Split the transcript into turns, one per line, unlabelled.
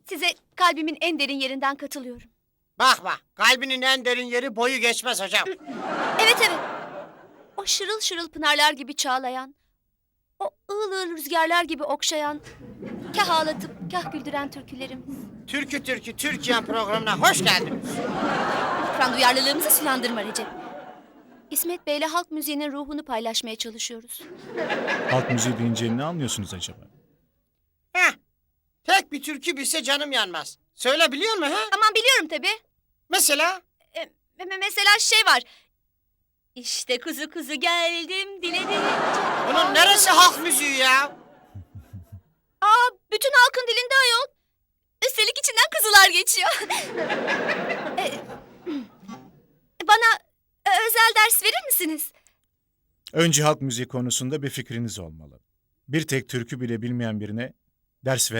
Size kalbimin en derin yerinden katılıyorum.
Bak bak, kalbinin en derin yeri boyu geçmez hocam.
Evet evet. O şırıl şırıl pınarlar gibi çağlayan, o ığıl ığıl rüzgarlar gibi okşayan, kah ağlatıp kah güldüren türkülerimiz.
Türkü Türkiye programına hoş geldiniz.
Lütfen duyarlılığımızı sulandırma Recep. İsmet Bey'le halk müziğinin ruhunu paylaşmaya çalışıyoruz.
Halk müziği deyince ne anlıyorsunuz acaba?
Heh, tek bir türkü bilse canım yanmaz. Söyle biliyor musun ha?
Aman biliyorum tabii.
Mesela?
Mesela şey var. İşte kuzu kuzu geldim diledim.
Bunun neresi halk müziği ya?
Aa, bütün halkın dilinde ayol. Üstelik içinden kızılar geçiyor. Bana özel ders verir misiniz?
Önce halk müziği konusunda bir fikriniz olmalı. Bir tek türkü bile bilmeyen birine ders